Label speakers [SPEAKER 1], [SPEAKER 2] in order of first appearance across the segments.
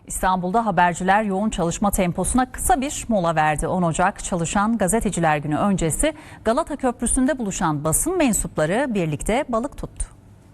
[SPEAKER 1] İstanbul'da haberciler yoğun çalışma temposuna kısa bir mola verdi. 10 Ocak Çalışan Gazeteciler Günü öncesi Galata Köprüsü'nde buluşan basın mensupları birlikte balık tuttu.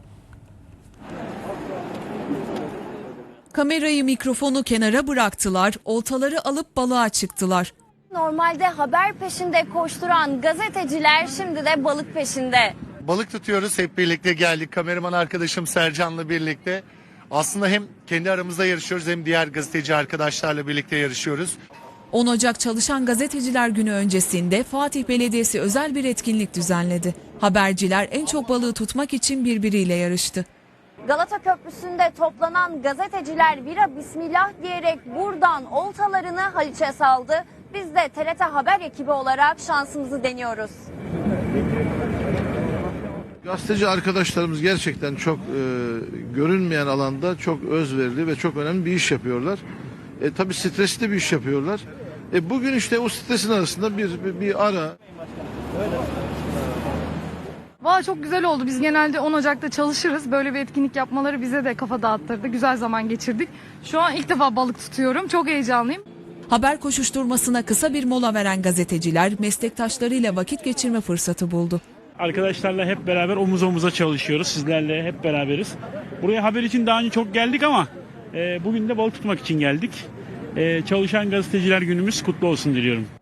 [SPEAKER 2] Kamerayı, mikrofonu kenara bıraktılar, oltaları alıp balığa çıktılar.
[SPEAKER 3] Normalde haber peşinde koşturan gazeteciler şimdi de balık peşinde.
[SPEAKER 4] Balık tutuyoruz, hep birlikte geldik. Kameraman arkadaşım Sercan'la birlikte. Aslında hem kendi aramızda yarışıyoruz hem diğer gazeteci arkadaşlarla birlikte yarışıyoruz.
[SPEAKER 2] 10 Ocak Çalışan Gazeteciler Günü öncesinde Fatih Belediyesi özel bir etkinlik düzenledi. Haberciler en çok balığı tutmak için birbiriyle yarıştı.
[SPEAKER 3] Galata Köprüsü'nde toplanan gazeteciler bira bismillah diyerek buradan oltalarını Haliç'e saldı. Biz de TRT Haber ekibi olarak şansımızı deniyoruz.
[SPEAKER 5] Gazeteci arkadaşlarımız gerçekten çok görünmeyen alanda çok özverili ve çok önemli bir iş yapıyorlar. Tabii stresli bir iş yapıyorlar. Bugün işte o stresin arasında bir ara.
[SPEAKER 6] Valla çok güzel oldu. Biz genelde 10 Ocak'ta çalışırız. Böyle bir etkinlik yapmaları bize de kafa dağıttırdı. Güzel zaman geçirdik. Şu an ilk defa balık tutuyorum. Çok heyecanlıyım.
[SPEAKER 2] Haber koşuşturmasına kısa bir mola veren gazeteciler meslektaşlarıyla vakit geçirme fırsatı buldu.
[SPEAKER 7] Arkadaşlarla hep beraber omuz omuza çalışıyoruz. Sizlerle hep beraberiz. Buraya haber için daha önce çok geldik ama bugün de balık tutmak için geldik. Çalışan Gazeteciler Günümüz kutlu olsun diliyorum.